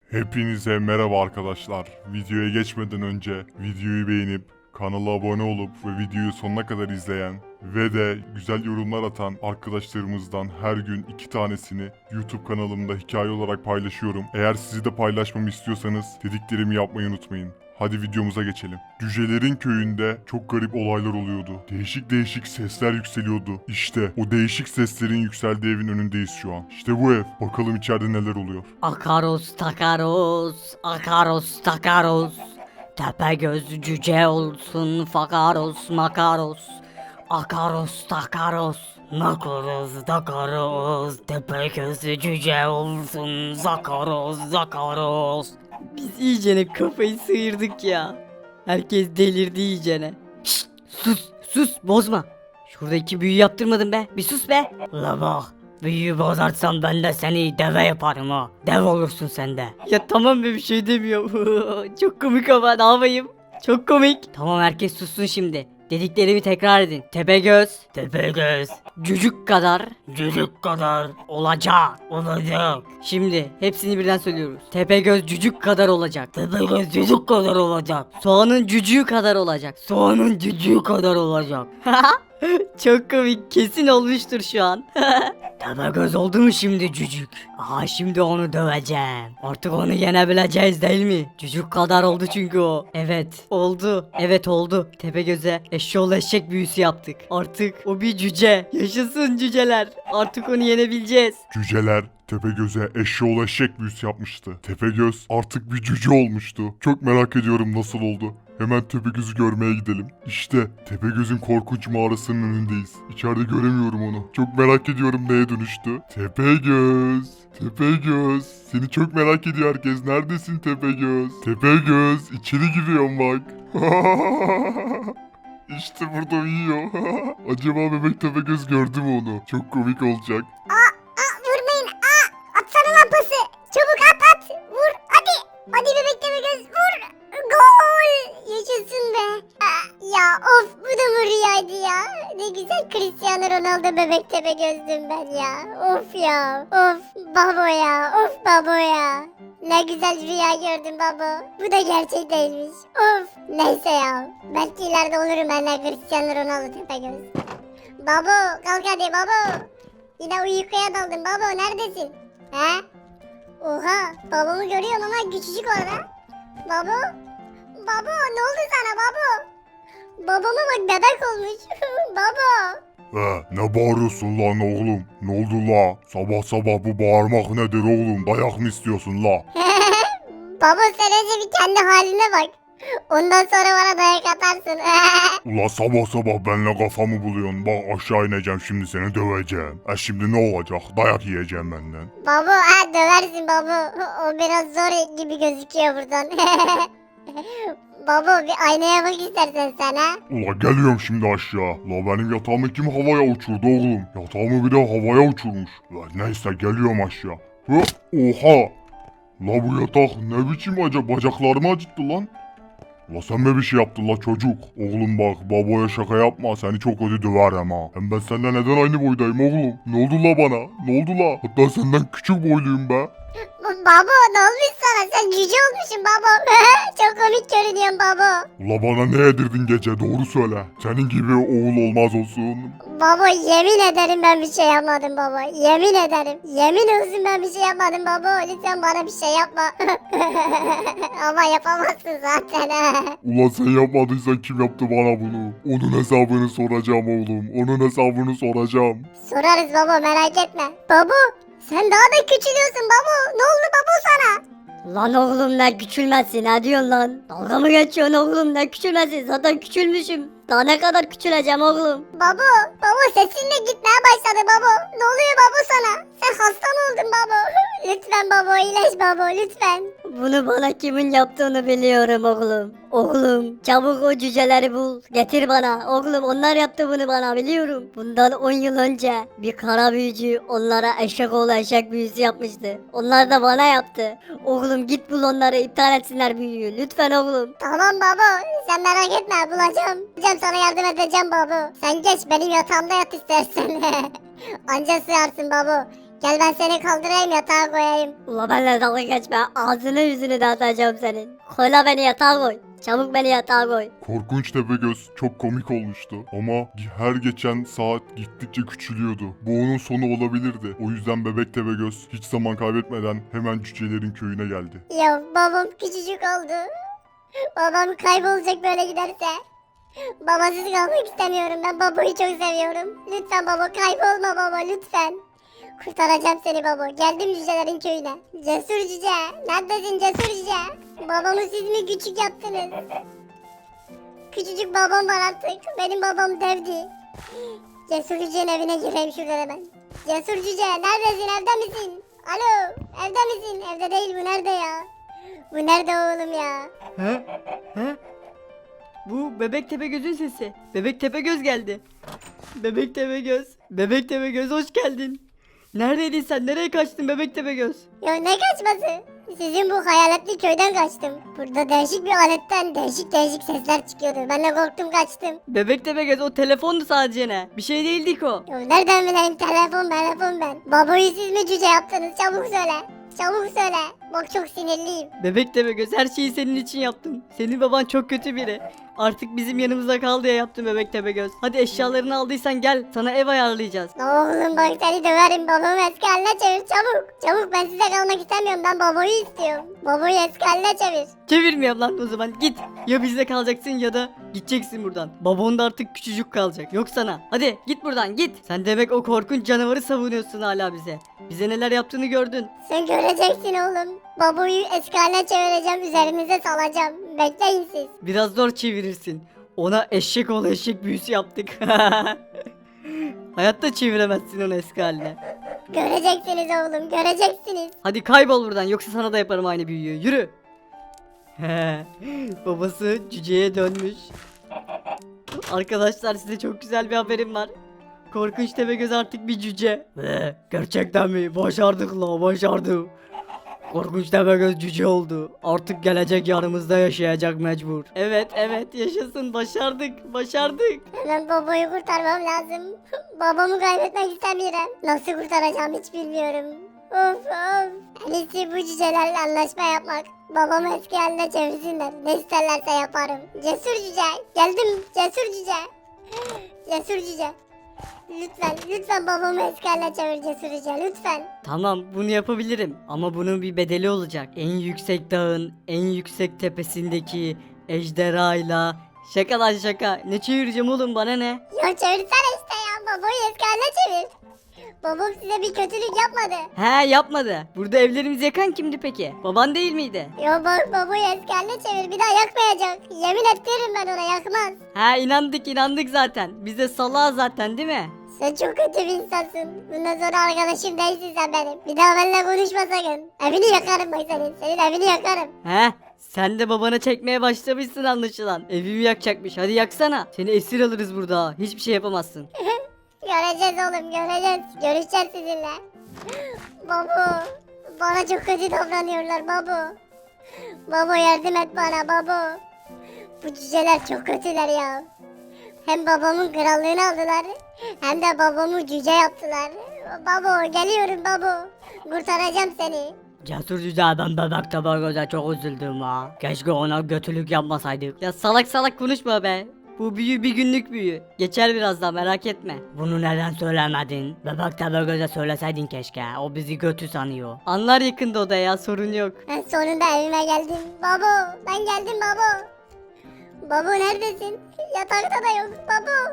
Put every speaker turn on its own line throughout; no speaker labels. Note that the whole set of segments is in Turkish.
Hepinize merhaba arkadaşlar. Videoya geçmeden önce videoyu beğenip kanala abone olup ve videoyu sonuna kadar izleyen ve de güzel yorumlar atan arkadaşlarımızdan her gün 2 tanesini YouTube kanalımda hikaye olarak paylaşıyorum. Eğer sizi de paylaşmamı istiyorsanız dediklerimi yapmayı unutmayın. Hadi videomuza geçelim. Cücelerin köyünde çok garip olaylar oluyordu. Değişik değişik sesler yükseliyordu. İşte o değişik seslerin yükseldiği evin önündeyiz şu an. İşte bu ev. Bakalım içeride neler oluyor.
Akaros takaros, akaros takaros. Tepegöz cüce olsun fakaros makaros. Akaros takaros, makaros takaros. Tepegöz cüce olsun zakaros zakaros. Biz iyicene kafayı sıyırdık ya. Herkes delirdi iyicene. Şşt, sus bozma. Şuradaki büyü yaptırmadın be, bir sus be. La bak. Büyüyü bozarsan ben de seni deve yaparım ha. Dev olursun sen de. Ya tamam be, bir şey demiyorum. Çok komik ama ne yapayım? Çok komik. Tamam, herkes sussun şimdi. Dediklerimi tekrar edin. Tepegöz. Tepegöz. Cücük kadar. Cücük kadar. Olacak. Olacak. Şimdi hepsini birden söylüyoruz. Tepegöz cücük kadar olacak. Tepegöz cücük kadar olacak. Soğanın cücüğü kadar olacak. Soğanın cücüğü kadar olacak. Çok komik, kesin olmuştur şu an. Tepegöz oldu mu şimdi cücük? Aha, şimdi onu döveceğim. Artık onu yenebileceğiz değil mi? Cücük kadar oldu çünkü o. Evet oldu. Evet oldu. Tepegöz'e eşşoğlu eşek büyüsü yaptık. Artık o bir cüce. Yaşasın cüceler. Artık onu yenebileceğiz.
Cüceler Tepegöz'e eşeğoğlu eşek büyüsü yapmıştı. Tepegöz artık bir cüce olmuştu. Çok merak ediyorum nasıl oldu. Hemen Tepegöz'ü görmeye gidelim. İşte Tepegöz'ün korkunç mağarasının önündeyiz. İçeride göremiyorum onu. Çok merak ediyorum neye dönüştü. Tepegöz. Tepegöz. Seni çok merak ediyor herkes. Neredesin Tepegöz? Tepegöz. İçeri giriyorum bak. İşte burada uyuyor. Acaba bebek Tepegöz gördü mü onu? Çok komik olacak.
Vurmayın. Atsana lan pası. Çabuk at. Vur. Hadi. Hadi bebek göz vur. Gol. Yaşasın be. Ya of, bu da mı rüyaydı ya? Ne güzel Cristiano Ronaldo bebek gözdüm ben ya. Of ya. Of babo ya. Of babo ya. Ne güzel rüya gördüm babo. Bu da gerçek değilmiş. Of. Neyse ya. Belki ileride olurum ben de Cristiano Ronaldo göz. Babo kalk hadi babo. Yine uykuya daldım baba, neredesin? He? Oha, babamı görüyorum ama küçücük orada. Baba? Baba ne oldu sana baba? Babama bak, bebek olmuş. Baba.
Ne bağırıyorsun lan oğlum? Ne oldu la? Sabah sabah bu bağırmak nedir oğlum? Dayak mı istiyorsun la?
Baba sen önce bir kendi haline bak. Ondan sonra bana dayak atarsın.
Ula sabah sabah benimle kafamı buluyorsun. Bak aşağı ineceğim şimdi seni döveceğim. Şimdi ne olacak? Dayak yiyeceğim benden.
Baba döversin baba. O biraz zor gibi gözüküyor buradan. Baba bir aynaya bak istersen sen ha.
Ula geliyorum şimdi aşağı. La benim yatağımı kim havaya uçurdu oğlum? Yatağımı bir de havaya uçurmuş. La neyse geliyorum aşağı. Oha! La bu yatak ne biçim bacaklarımı acıttı lan. La sen mi bir şey yaptın la çocuk? Oğlum bak babaya şaka yapma, seni çok kötü döverim ha. Hem ben senden neden aynı boydayım oğlum? Ne oldu la bana? Ne oldu la? Hatta senden küçük boyluyum be.
Baba ne olmuş sana? Sen cüce olmuşsun baba. Çok komik görünüyorsun baba.
Ula bana ne yedirdin gece, doğru söyle. Senin gibi oğul olmaz olsun.
Baba yemin ederim ben bir şey yapmadım baba. Yemin ederim. Yemin olsun ben bir şey yapmadım baba. Lütfen bana bir şey yapma. Ama yapamazsın zaten.
Ulan sen yapmadıysan kim yaptı bana bunu? Onun hesabını soracağım oğlum. Onun hesabını soracağım.
Sorarız baba, merak etme. Baba sen daha da küçülüyorsun baba. Ne oldu baba sana?
Lan oğlum, ne küçülmezsin, ne diyorsun lan? Dalga mı geçiyorsun oğlum, ne küçülmezsin, zaten küçülmüşüm. Daha ne kadar küçüleceğim oğlum?
Baba sesin de gitmeye başladı baba. Ne oluyor baba sana? Sen hasta mı oldun baba? Lütfen baba, iyileş baba lütfen.
Bunu bana kimin yaptığını biliyorum oğlum. Oğlum çabuk o cüceleri bul. Getir bana. Oğlum onlar yaptı bunu bana, biliyorum. Bundan 10 yıl önce bir kara büyücü onlara eşek oğlu eşek büyüsü yapmıştı. Onlar da bana yaptı. Oğlum git bul onları, iptal etsinler büyüyü. Lütfen oğlum.
Tamam baba, sen merak etme, bulacağım. Sana yardım edeceğim baba. Sen geç benim yatağımda yat istersen. Anca sığarsın baba. Gel ben seni kaldırayım yatağa koyayım.
Ula benimle dalga geçme. Ağzını yüzünü dağıtacağım senin. Koyla beni yatağa koy. Çabuk beni yatağa koy.
Korkunç Tepegöz çok komik olmuştu ama her geçen saat gittikçe küçülüyordu. Bu onun sonu olabilirdi. O yüzden Bebek Tepegöz hiç zaman kaybetmeden hemen cücelerin köyüne geldi.
Ya babam küçücük oldu. Babam kaybolacak böyle giderse. Babasız kalmak istemiyorum. Ben babayı çok seviyorum. Lütfen baba kaybolma baba lütfen. Kurtaracağım seni baba. Geldim cücelerin köyüne. Cesur cüce. Neredesin cesur cüce? Babamı siz mi küçük yaptınız? Küçücük babam var artık. Benim babam devdi. Cesur cücenin evine gireyim şuradan hemen. Cesur cüce neredesin evde misin? Alo evde misin? Evde değil bu nerede ya? Bu nerede oğlum ya?
He? He? Bu Bebek Tepegöz'ün sesi. Bebek Tepegöz geldi. Bebek Tepegöz. Bebek Tepegöz hoş geldin. Neredeydin sen? Nereye kaçtın Bebek Tepegöz?
Ya ne kaçması? Sizin bu hayaletli köyden kaçtım. Burada değişik bir aletten değişik sesler çıkıyordu. Ben de korktum kaçtım.
Bebek Tepegöz o telefondu sadece ne? Bir şey değildik o.
Ya nereden bileyim telefon ben. Babayı siz mi cüce yaptınız? Çabuk söyle. Çabuk söyle. Bak çok sinirliyim.
Bebek Tepegöz her şeyi senin için yaptım. Senin baban çok kötü biri. Artık bizim yanımızda kal diye yaptım Bebek Tepegöz. Hadi eşyalarını aldıysan gel sana ev ayarlayacağız.
Oğlum bak seni döverim. Babamı eski haline çevir çabuk. Çabuk ben size kalmak istemiyorum. Ben babayı istiyorum. Babayı eski haline çevir.
Çevirmiyorum lan o zaman git. Ya bizde kalacaksın ya da gideceksin buradan. Babon da artık küçücük kalacak. Yok sana. Hadi git buradan git. Sen demek o korkunç canavarı savunuyorsun hala bize. Bize neler yaptığını gördün.
Sen göreceksin oğlum. Babayı eski haline çevireceğim. Üzerinize salacağım. Bekleyin siz.
Biraz zor çevirirsin. Ona eşek ol eşek büyüsü yaptık. Hayatta çeviremezsin onu eski haline.
Göreceksiniz oğlum. Göreceksiniz.
Hadi kaybol buradan yoksa sana da yaparım aynı büyüyü. Yürü. Babası cüceye dönmüş. Arkadaşlar size çok güzel bir haberim var. Korkunç Tepegöz artık bir cüce. Gerçekten mi? Başardık la başardık. Korkunç Tepegöz cüce oldu. Artık gelecek yanımızda yaşayacak mecbur. Evet yaşasın başardık.
Hemen babayı kurtarmam lazım. Babamı kaybetmek istemiyorum. Nasıl kurtaracağım hiç bilmiyorum. Of. En iyisi bu cücelerle anlaşma yapmak. Babamı eski haline çevirsinler. Ne isterlerse yaparım. Cesur cüce. Geldim cesur cüce. Cesur cüce. Lütfen babamı eski haline çevir cesur cüce. Lütfen.
Tamam bunu yapabilirim ama bunun bir bedeli olacak. En yüksek dağın en yüksek tepesindeki ejderhayla şaka lan şaka. Ne çevireceğim oğlum bana ne?
Ya çevirsene işte ya. Babayı eski haline çevir. Babam size bir kötülük yapmadı.
He yapmadı. Burada evlerimizi yakan kimdi peki? Baban değil miydi?
Ya bak babayı eski haline çevir. Bir daha yakmayacak. Yemin ettiririm ben ona yakmaz.
He inandık zaten. Biz de salağa zaten değil mi?
Sen çok kötü bir insansın. Bundan sonra arkadaşım değilsin sen benim. Bir daha benimle konuşma sakın. Evini yakarım bak senin. Senin evini yakarım.
He sen de babana çekmeye başlamışsın anlaşılan. Evimi yakacakmış. Hadi yaksana. Seni esir alırız burada. Hiçbir şey yapamazsın.
Göreceğiz oğlum göreceğiz. Görüşeceğiz sizinle. Baba. Bana çok kötü davranıyorlar baba. Baba yardım et bana baba. Bu cüceler çok kötüler ya. Hem babamın krallığını aldılar. Hem de babamı cüce yaptılar. Baba geliyorum baba. Kurtaracağım seni.
Cesur cüce ben Bebek Tepegöz'e çok üzüldüm ha. Keşke ona kötülük yapmasaydık.
Ya salak konuşma be. Bu büyü bir günlük büyü. Geçer birazdan merak etme.
Bunu neden söylemedin? Bebek Tepegöz'e söyleseydin keşke. O bizi kötü sanıyor.
Anlar yakında o da ya sorun yok.
Ben sonunda evime geldim. Baba ben geldim baba. Baba neredesin? Yatakta da yok baba.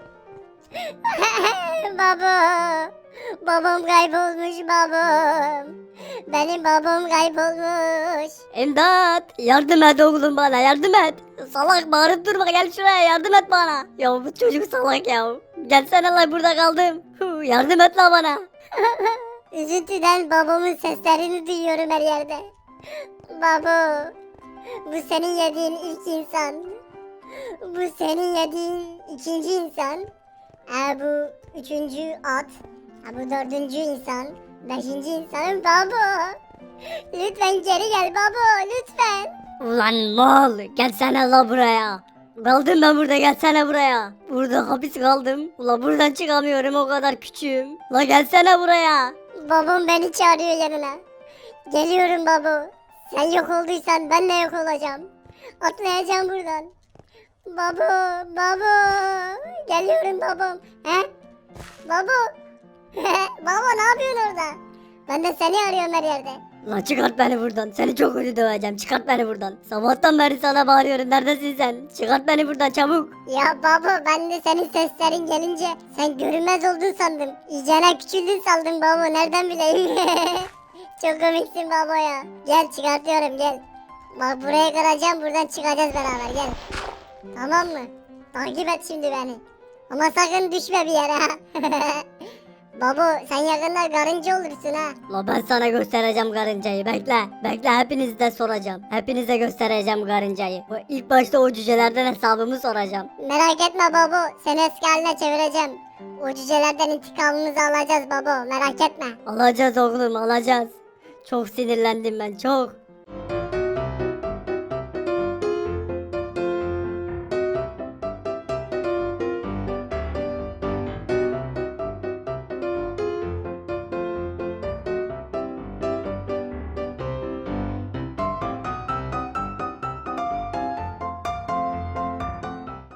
Baba. Babam kaybolmuş babam. Benim babam kaybolmuş.
İmdat! Yardım et oğlum bana yardım et. Salak bağırıp durma gel şuraya yardım et bana. Ya bu çocuk salak ya. Gelsene lan burada kaldım. Yardım et lan bana.
Üzüntüden babamın seslerini duyuyorum her yerde. Baba. Bu senin yediğin ilk insan. Bu senin yediğin ikinci insan. Bu üçüncü at. Bu dördüncü insan. Beşinci insanım baba. Lütfen geri gel baba lütfen.
Ulan mal gelsene la buraya. Kaldım ben burada gelsene buraya. Burada hapis kaldım. Ula buradan çıkamıyorum o kadar küçüğüm. La gelsene buraya.
Babam beni çağırıyor yanına. Geliyorum baba. Sen yok olduysan ben de yok olacağım. Atlayacağım buradan. Baba, baba. Geliyorum babam. He? Baba. Baba ne yapıyorsun orada? Ben de seni arıyorum her yerde.
Lan çıkart beni buradan. Seni çok kötü döveceğim. Çıkart beni buradan. Sabahtan beri sana bağırıyorum. Neredesin sen? Çıkart beni buradan çabuk.
Ya baba ben de senin seslerin gelince sen görünmez oldun sandım. İyicene küçüldün sandım baba nereden bileyim. Çok komiksin baba ya. Gel çıkartıyorum gel. Bak buraya kıracağım buradan çıkacağız beraber gel. Tamam mı? Takip et şimdi beni. Ama sakın düşme bir yere ha. Baba sen yakında karınca olursun ha.
La ben sana göstereceğim karıncayı. Bekle. Bekle hepinizi de soracağım. Hepinize göstereceğim karıncayı. İlk başta o cücelerden hesabımı soracağım.
Merak etme baba seni eski haline çevireceğim. O cücelerden intikamımızı alacağız baba merak etme.
Alacağız oğlum alacağız. Çok sinirlendim ben çok.